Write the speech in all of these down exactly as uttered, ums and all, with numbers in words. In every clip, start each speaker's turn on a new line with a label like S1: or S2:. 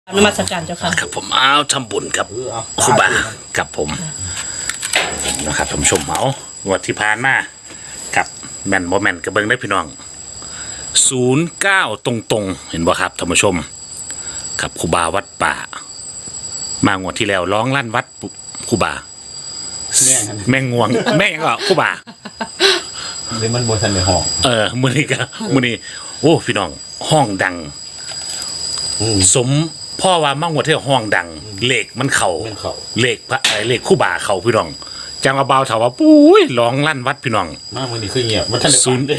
S1: นมัสการเจ้าค่ะ
S2: ครับผมอ้าวทำบุญกับครูบากับผมนะครับท่านผู้ชมเอางวดที่ผ่านมากับแมนโมแมนกระเบิงได้พี่น้องศูนย์เก้าตรงๆเห็นบ่ครับท่านผู้ชมกับครูบาวัดป่ามางวดที่แล้วร้องลั่นวัดครูบาแม่งงวงแม่งก็ครูบา
S3: หรือมันบนทันในห้อง
S2: เออมือนี้ก็มือนี้โอ้พี่น้องห้องดังสมพ่อว่ามั่งวดที่ห้องดังเลขมันเข่าเลขพระไอเลขคู่บ่าเข่าพี่น้องจังเอาเบาถามว่าปุ้ยร้องลั่นวัดพี่น้อง
S3: มากมือนี้คือเงียบมันทัน
S2: ศูนย์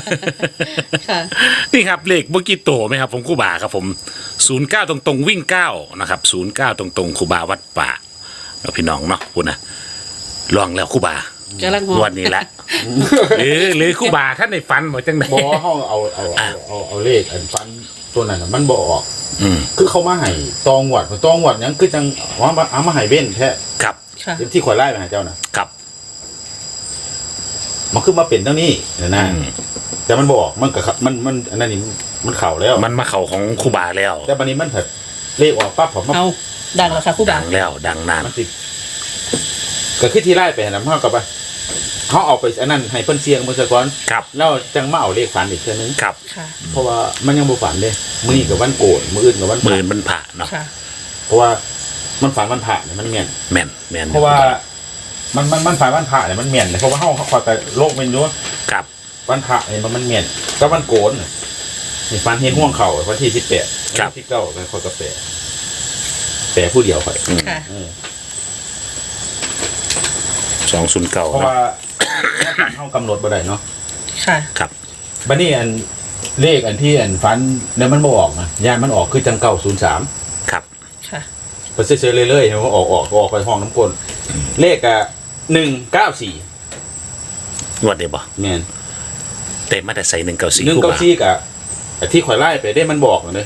S2: นี่ครับเลขเมื่อกี้โตไหมครับผมคู่บ่าครับผมศูนย์เก้าตรงๆวิ่งเก้านะครับศูนย์เก้าตรงๆคู่บ่าวัดป่าเราพี่น้องเนาะคุณนะลองแล้วคู่บ่าวันนี้แหละหรือหรือคู่บ่าท่านในฟันบอกจังไหน
S3: บอกว่าห้องเอาเอาเอาเอาเลขอันฟันตัวนั้นมันบอกออกคือเขามาให้ตองหวัดตองหวัดยังคือจังว่าเอามาให้เบ้นแท้
S2: ครับ
S3: ที่ข่อยไล่ไปหาเจ้านะครับมันคือมาเป็นเท่านี้นะนะแต่มันบอกมันกับมันมันอันนั้นนี่มันเข่าแล้ว
S2: มันมาเข่าของคู่บ่าแล้ว
S3: แต่บันนี้มันผัดเลขออกปั๊บผม
S1: เอาดังแล้วค่ะคู่บ่า
S2: ดังแล้วดังนาน
S3: มันติดก็คือที่ไล่ไปนะพ่อกับไปเขาเอาไปอันนั้นให้เพิ่นเสียงมือสะก้อน
S2: ครับ
S3: แล้วจังมาเอาเลขฝันอีกเท่านึง
S2: ครับ
S3: เพราะว่ามันยังบ่ฝันเลยมื้อนี้กับวันโกนมื้ออื่นกับวัน
S2: มื้ออื่นมันผ่าเนาะ
S3: เพราะว่ามันฝันวันผ่าเนี่ยมันแม่น
S2: แม่นแม่น
S3: เพราะว่ามันมันมันฝันวันผ่าเนี่ยมันแม่นเลยเพราะว่าเฮาคอยไปโลกเป็นอยู่
S2: ครับ
S3: วันผ่าเนี่ยมันมันแม่นก็วันโกนนี่ฝันเฮ็ดห่วงเข่าวันที่สิบแปดวันที่เก้าก็คอยกาแฟแปะผู้เดียวค่อย
S1: ค่ะ
S2: สองศูนย์เก้า
S3: เพราะว่าเฮากำหนดบ่ได้เนาะ
S1: ค่ะ
S2: ครับ
S3: บัดนี้อันเลขอันที่อันฝันแล้วมันบ่ออกนะย่านมันออกคือจังเก้าศูนย์สาม
S2: ครับ
S1: ค่ะ
S3: ไปเฉยๆเรื่อยๆมันออกออกออกไปห้องน้ำกลเลขอ่ะหนึ่งเก้าสี่
S2: งวดเดียวบ่
S3: แม่น
S2: เต็มมาแต่ใส่หนึ่งเก้าสี่
S3: หนึ่งเก้าสี่กะที่ข่อยไล่ไปได้มันบอกเลย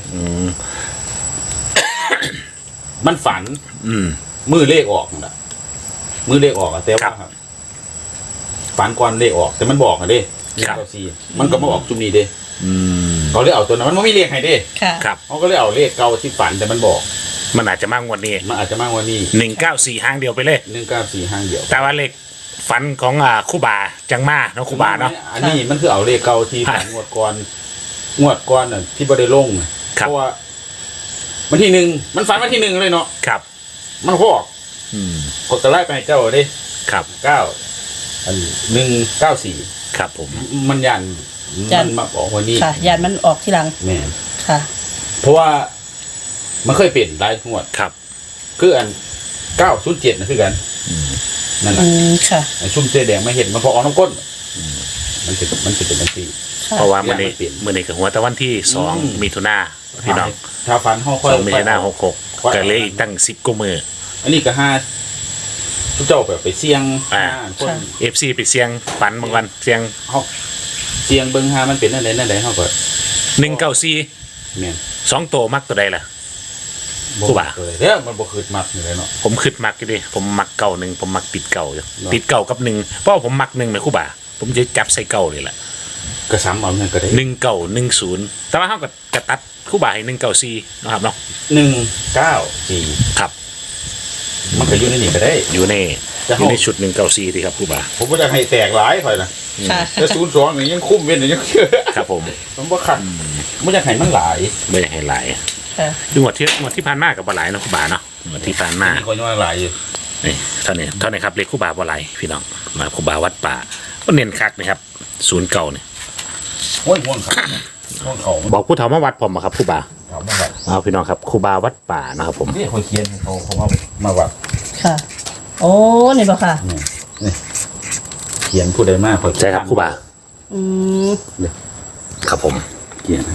S3: มันฝันมือเลขออกนะมือเลขออกอะแต่ว่าฝันก่อนเลขออกแต่มันบอกอะเด้หนึ่งเก้าสี่มันก็มาออกจุ่มนี้เด้เขาเลยเอาตัวนั้นมันไม่มีเลขให้เด้
S2: ครับ
S3: เขาก็เลยเอาเลขเก่าที่ฝันแต่มันบอก
S2: มันอาจจะมากกว่านี้
S3: มันอาจจะมากกว่านี้
S2: หนึ่งเก้าสี่ห้างเดียวไปเลย
S3: หนึ่งเก้าสี่ห้างเดียว
S2: แต่ว่าเลขฝันของอ่าคู่บาจังมาเนาะคู่บาเนาะ
S3: อันนี้มันคือเอาเลขเก่าที่ฝันงวดก่อนงวดก่อนน่ะที่บ่ได้ลงเพราะว่าวันที่หนึ่งมันฝันวันที่หนึ่งเลยเนาะ
S2: ครับ
S3: มันก็ออกกดตะไลไปเจ้าเด้
S2: ครับ
S3: เก้าอันหนึ่งเก้าสี่
S2: ครับผม
S3: มันยันมันมาบอกวันนี้
S1: ค่ะยันมันออกทีหลัง
S3: แม่
S1: ค่ะ
S3: เพราะว่ามันเคยเปลี่ยนหลายงวด
S2: ครับ
S3: คืออันเก้าศูนย์เจ็ดนะคือกันนั่นแหละ
S1: ค่ะ
S3: ชุ่มเจแดงมาเห็นมันพอออกน้ำก้นมันจะมันจะเป็นทันที
S2: เพราะว่ามันนี่มันนี่กับหัวตะวันที่สองมิถุนาพี่น้อง
S3: ชาวฟันห้องค่อย
S2: สองมิถุนาหกหกก็เลยอีกตั้งสิบกว่ามือ
S3: อันนี้ก็ห้าทุกเจ้าแบบไปเสี่ยง
S2: อ่าเอฟซีไปเสี่ยงฝันบางวันเสี่ยง
S3: เขาเสี่ยงเบิ้งหามันเป็นนั่นไหนนั่นไหนเขาก็
S2: หนึ่งเก้าสี่
S3: เนี่ย
S2: สองโตมักตัวใดล่ะ
S3: กูบ่าเนี่ยมันบ่คืดมักอยู่เลยเนาะ
S2: ผมคืดมักอยู่ดิผมมักเก่าหนึ่งผมมักติดเก่าอยู่ติดเก่ากับหนึ่งเพราะผมมักหนึ่งไหมคู่บ่าผมจะจับใส่เก่าเลยแหละ
S3: กระซ้ำเอาเนี่ยก็ได้
S2: หนึ่งเก่าหนึ่งศูนย์แต่ว่าเขาก็กระตัดคู่บ่าให้หนึ่งเก่าสี่นะครับเนาะ
S3: หนึ่งเก้าสี่
S2: ครับ
S3: มันก็อยู่ในนี่ก็ได้
S2: อยู่ในอยู่ในชุดหนึ่งเก้าสี่ดีครับคู่บ่า
S3: ผมก็จะให้แตกหลายค่อยนะแต่ศูนย์สองนี่ยังคุ้มเว้นยังเยอะ
S2: ครับผม
S3: ผมว่าขัดไม่อยากให้มันหลาย
S2: ไม่อยากให้หลายดูหมดที่หมดที่ผ่านมากับบอลไหลนะคู่บ่าเนาะหมดที่ผ่านมา
S3: คนยังหลายอยู่
S2: นี่เท่านี้เท่านี้ครับเลขคู่บ่าบอลไหลพี่น้องมาคู่บ่าวัดป่าก็เน้นคักนะครับศูนย์เก่าเนี่ย
S3: โอ้ยห่วงเขาห่วงเขา
S2: บอกผู้เฒ่ามาวัดผมครับคู่บ่าเอาพี่น้องครับคู่บ่าวัดป่านะครับผม
S3: นี่คนเขียนเขาเขามามาวัด
S1: ค่ะโอ้นี่ป่ะค่ะ
S3: นี่เขียนผู้ใดมาก
S2: ใช่ครับคู่บ่า
S1: อืม
S2: ครับผม
S3: เขียน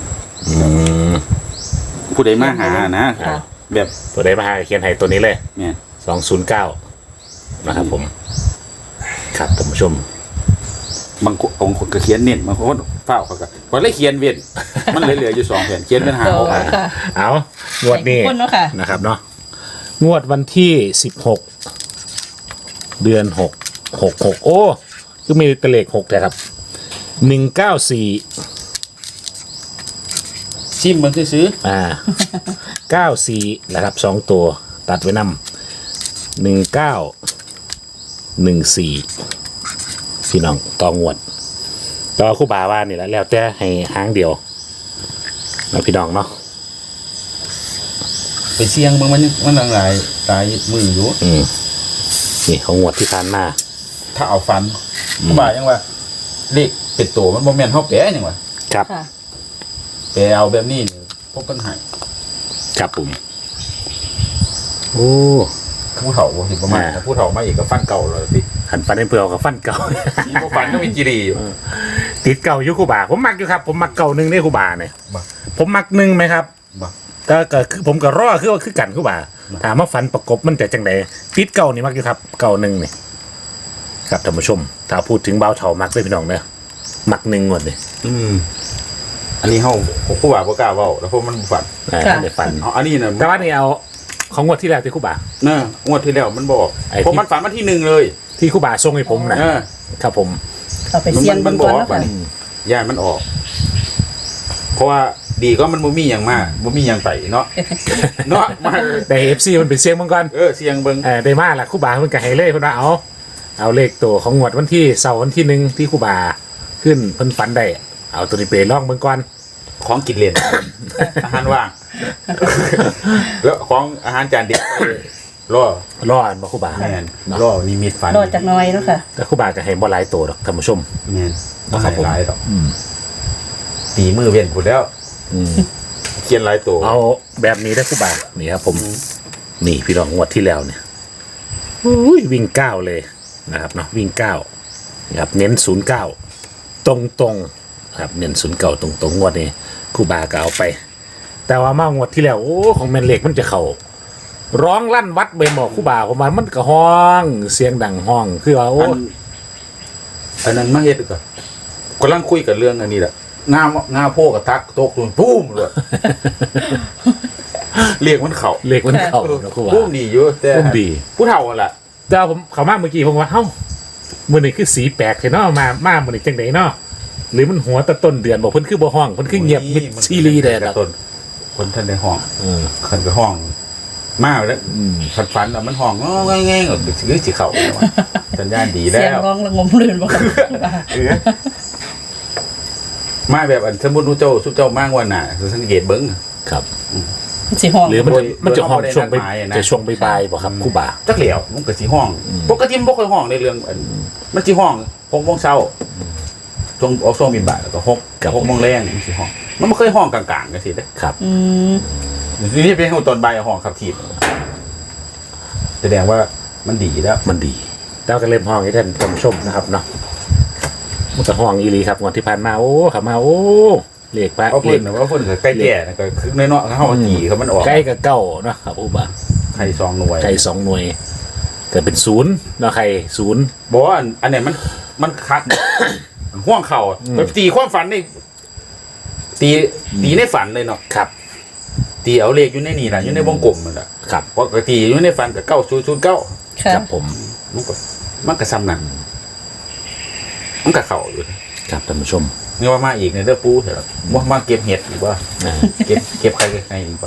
S3: ผู้ใดมาหานะแบบ
S2: ผู้ใดมาหาเขียนให้ตัวนี้เลย
S3: เนี่ย
S2: สองศูนย์เก้านะครับผมครับท่านผู้ชม
S3: บางองค์คนก็เขียนเน้นบางคนเฝ้าเขาก็พอได้เขียนเว้นมันเหลืออยู่สองแผ่นเขียนเป็นหาง
S2: เอางวดนี้นะครับเนาะงวดวันที่สิบหกเดือนหกหกหกโอ้คือมีตะเลขหกแต่ครับหนึ่งเก้าสี่
S3: ซิมมันซื้อ
S2: อ่าเก้าสี่นะครับสองตัวตัดไว้นำหนึ่งเก้าหนึ่งสี่พี่น้องต่องวดต่อคู่บาว่านี่แหละแล้วแต่ให้หางเดียวนะพี่น้องเนาะ
S3: ๆไปเสี่ยงเบิ่งมันมันหลายตายมืออยู่
S2: อืมนี่ของงวดที่ผ่านมา
S3: ถ้าเอาฟันก็บ่ายังว่าเลขเป็ดโตมันบ่แม่นเฮาแปะจังว่า
S2: ครับ
S1: ค่ะ
S3: แปะเอาแบบนี้นี่พบกันให้
S2: ครับผมโอ้
S3: ผู้เฒ่าบ่สิประมาณ
S2: อ่า
S3: ถ้าผู้เฒ่ามาอีกก็ฟันเก่าเลยสิ
S2: หันฟันให้เปลือกกับฟันเก่า
S3: นี่บ่ฟันก็มีจิรีอยู่
S2: ติดเก่าอยู่คู่บาผมมักอยู่ครับผมมักเก่าหนึ่งได้คู่บาเนี่ย
S3: บ่
S2: ผมมักหนึ่งไหมครับ
S3: บ่
S2: ก็ก็คือผมก็รอคือว่าคือกันคู่บาถามว่าฟันประกบมันจะจังไดติดเก่านี่มักอยู่ครับเก่าหนึ่งนี่ครับท่านผู้ชม ถ้าพูดถึงเบาเถามักเลยพี่น้องเนอะมักหนึ่งงวดเลย
S3: อืมอันนี้เฮาผู้ว่าบ่กล้าเว้าแล้วเพราะมันบ่ฟัน
S2: อ่า
S1: ค่ะ
S2: เดี๋ยวฟัน
S3: เอาอันนี้น่ะ
S2: แต่ว่านี่เอาของงวดที่แล้วที่คู่บา
S3: เนะงวดที่แล้วมันบอก
S2: ไอ้ที่
S3: ผมมันฝันมาที่หนึ่งเลย
S2: ที่คู่บาส่งให้ผมนะ
S3: เออ
S2: ครับผม
S1: เอาไปเสี่ยง
S3: มั
S1: เบิ่
S3: น
S1: ง
S3: บ
S1: ก่
S3: อ
S1: อน
S3: ก
S1: เนาะ
S3: ว่า
S1: ค่ะ
S3: ย่านมันออก เพราะว่าดีก็มันบ่มีอย่างมากบ่มีอย่างไปเนาะ เนาะมา
S2: แต่เอฟซีมันเป็นเสียงมังกร
S3: เออเสียงเบิ่ง
S2: เออได้มาละคู่บาเพิ่นก็ให้เลยเพิ่นว่าเอาเอาเลขตัวของงวดวันที่เสาร์วันที่หนึ่งที่คู่บาขึ้นเพิ่นฝันได้เอาตัวนี้ไปลองเบิ่งก่อน
S3: ของกินเล่น อาหารว่าง แล้วของอาหารจานเด็ดรอ
S2: รออันบ่คู่บา
S3: แม่นรอนิมิตฝัน
S1: รอจากหน้อยเนาะค่ะ
S2: แต่คู่บาก็ให้บ่หลายตัวดอกท่านผู้ชม
S3: แม่นบ่
S2: ครั
S3: ให้
S2: บผม
S3: หลายดอก
S2: อืม
S3: ตีมือเว้นพุ่นแล้ว
S2: อืม
S3: เขียนหลายตัว
S2: เอาแบบนี้ได้คู่บานี่ครับผมนี่พี่น้องงวดที่แล้วเนี่ยอุ้ยวิ่งเก้าเลยนะครับเนาะวิ่งเก้านะครับเน้นศูนย์เก้าตรงตรงๆครับเน้นศูนย์เก้าตรงตรงๆงวดนี้คู่บาก็เอาไป แต่ว่ามางวดที่แล้วโอ้ของแมนเล็กมันจะเข้าร้องลั่นวัดใบหมอกคู่บาผมมามันก็ห้องเสียงดังห้องคือว่าโอ้
S3: อันอันนั้นมาเฮ็ดก็กำลังคุยกันเรื่องอันนี้แหละงามงาโพกับทักตกตุนปุ้มเลย เรียกมันเข่า
S2: เล็กมันเข้าแล้วคู่บา
S3: ปุ้มดีอยู่แต่
S2: ปุ้มดี
S3: ผู้เฒ่าอ่ะล่ะ
S2: แต่ว่าผมเขามาเมื่อกี้ผมว่าเฮ้ามือนี่คือสีแปลกเห็นเนาะมามามือนี่จังไดเนาะหรือมันหัวแตะต้นเดือนบอกเพิ่นคือบ่ห้องเพิ่นคือเงียบมิดซีรีส์เด้อ
S3: แต่
S2: ล่ะ
S3: ต้นคนท่านในห้อง
S2: เออ
S3: คนไปห้องมากแล้ว
S2: อืม
S3: ฝันฝันๆอ่ะมันห้องง้อแง่ๆก็คือสิเข่าแล้วอะสัญญาณดีแล้
S1: เสียง
S3: ว
S1: ร้องระงมลื่นบ่ค่ะ
S3: เออมาแบบอันสมมุติว่าเจ้าสุเจ้ามากกว่าน่ะสังเกตเบิ่ง
S2: ครับ
S1: สิห้อง
S2: หรือมันจะ
S3: โดย
S2: มันจะห้อง
S3: โดย
S2: ช่วงไป
S3: โดยนัดหมายอะนะ
S2: จะช่วงบ่ายๆบ่ครับครู่บา
S3: จักเหลียวมันก็สิห้อง
S2: อืม
S3: ปกติมันบ่ค่อยห้องในเรื่องอันมันสิห้องหกโมงเช้าช่วงออกช่วงบินบ่ายแล้วก็หกหกโมงแรงมันสิห้อง มันบ่เคยห้องกลางๆจังซี่เด้
S2: ครับ
S1: อืม
S3: นี่เป็นห้องตอนบ่ายห้องขับถีบแสดงว่ามันดีแล้ว
S2: มันดีแล้วก็เริ่มห้องให้ท่านผู้ชมนะครับเนาะมันก็ห้องอีหลีครับงวดที่ผ่านมาโอ้ขับมาโอ้เลขปะ
S3: เพราะ
S2: เล
S3: เพิ่
S2: ข
S3: นน่ะว่าเพิ่นก็ใกล้แก่นะก็คือน้อยๆเฮาจีเขามันออก
S2: ใกล้กับเก้าเนาะครับครู่บา
S3: ไข่สองหน่วย
S2: ไก่สองหน่วยเกิดเป็นศูนย์เนาะไข่ศูนย์
S3: บอกว่าอันอันเนี้ยมันมันคัก มันห่วงเข่า
S2: อืม
S3: แบบตีความฝันนี่ตีตีในฝันเลยเนาะ
S2: ครับ
S3: ตีเอาเลขอยู่ในนี่แหละอยู่ในวงกลมมันแหละ
S2: ครับ
S3: ปกติอยู่ในฝันกับเก้าศูนย์ศูนย์เก้า
S1: ค่ะ
S2: ครับผม
S3: มันก็มันก็ซ้ำนั่นมันก็เข่าอยู่
S2: ครับท่านผู้ชม
S3: นี่ว่ามาอีกในเรื่องปูเถอะว่ามาเก็บเห็ดอีกว่า
S2: อ่า
S3: เก็บเก็บใครเก็บใครอีกว่า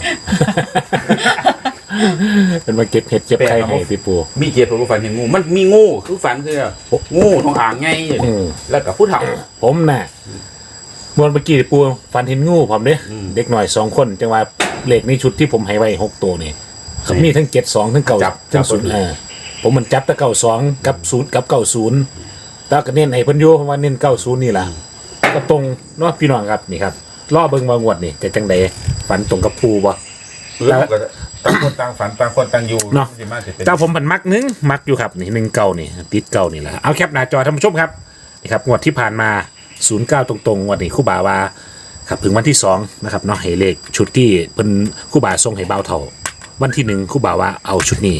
S2: เป็นมาเก็บเห็ดเก็บไข่ให้พี่ปู
S3: มีเก็บตัวฝันเห็นงูมันมีงูคือฝันคืองูทองอ่างไงอยู่
S2: อื
S3: นี่
S2: ม
S3: แล้วกับผู้เฒ่า
S2: ผมน่ะมวนเมื่อกี้ปูฟันเห็นงูผมเด้
S3: อืม
S2: เด็กหน่อยสองคนจังว่าเลขในชุดที่ผมให้ไว้หกตัวนี่เขามีทั้งเจ็ดสองทั้งเก่า
S3: จับ
S2: ทั้ง
S3: จับ
S2: ศูนย์
S3: พอดี
S2: อ่าผมมันจับแต่เก่าสองกับศูนย์กับเก่าศูนย์แล้วก็เน้นให้เพิ่นอยู่เพราะว่าเน้นเก่าศูนย์นี่ล่ะก็ตรงเนาะพี่น้องครับนี่ครับล่อเบิ่งมางวดนี่จะจังใดฝันตรงกับปูบ่
S3: แล้วก็ต่างคนต่างฝันต่างคนต่างอยู่
S2: เนาะ
S3: สิมาสิเป็น
S2: เจ้าผมผันมักหนึงมักอยู่ครับนี่หนึ่งเก่านี่ติดเก่านี่แหละเอาแคปหน้าจอท่านผู้ชมครับนี่ครับงวดที่ผ่านมาศูนย์เก้าตรงๆงวดนี้ครู่บาว่าครับถึงวันที่สองนะครับเนาะให้เลขชุดที่เป็นครู่บาทรงให้เบาเท่าวันที่หนึ่งครู่บาว่าเอาชุดนี้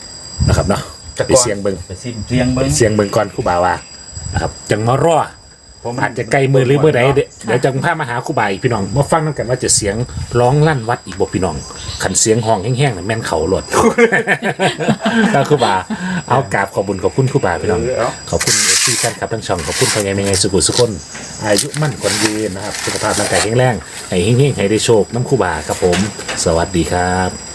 S2: นะครับเนาะ
S3: แต่
S2: ไป
S3: ก่อน
S2: เสียงเบิง
S3: ไปซิมเสียงเบิ้ง
S2: เสียงเบิงก่อนครู่บาว่านะครับจังมารอ
S3: เพราะมัน
S2: อาจจะใกล้มือหรือเมื่อใดเดเดี๋ยวจะพามาหาครูบาอีกพี่น้องมาฟังน้ำกันว่าจะเสียงร้องลั่นวัดอีกบ่พี่น้องขันเสียงห้องแห้งๆน่ะแม่นเขาหลด แล้วครูบาเอากราบขอบคุญขอบคุณครูบาพี่น้อง
S3: เออเอา
S2: ขอบคุณเอฟซีแฟนคลับทั้งช่องขอบคุณพ่อใหญ่แม่ใหญ่สุขุสุขคนอายุมั่นขวัญยืนนะครับสุขภาพร่างกายแข็งแรงให้เฮงๆให้ได้โชคน้ำครูบาครับผม สวัสดีครับ